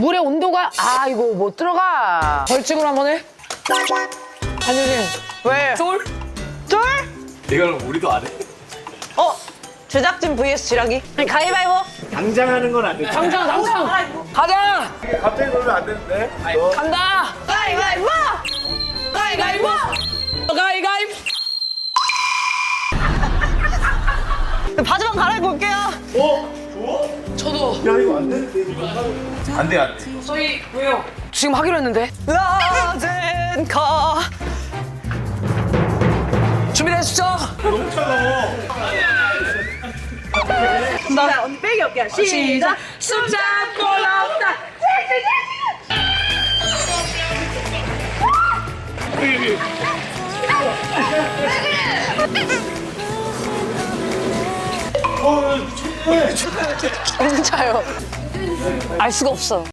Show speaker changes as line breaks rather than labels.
물의 온도가 이거 못 들어가. 벌칙으로 한번 해. 한효진.
왜?
쫄?
쫄?
이걸 우리도 안 해?
제작진 vs 지라기. 가위바위보.
당장 하는 건 안 돼.
당장. 가자.
갑자기 그러면 안 되는데.
간다.
가위바위보.
가위바위보. 가위바위보.
바지만 갈아입고 올게요.
저도.
야 이거 안 되는데. 안 돼, 안 돼.
저희 왜요? 지금 하기로 했는데.
라젠카.
준비되시죠?
너무 차가워.
나 언니 빼기 없게. 시작.
숨잡고 나온다.
진짜요. 알 수가 없어.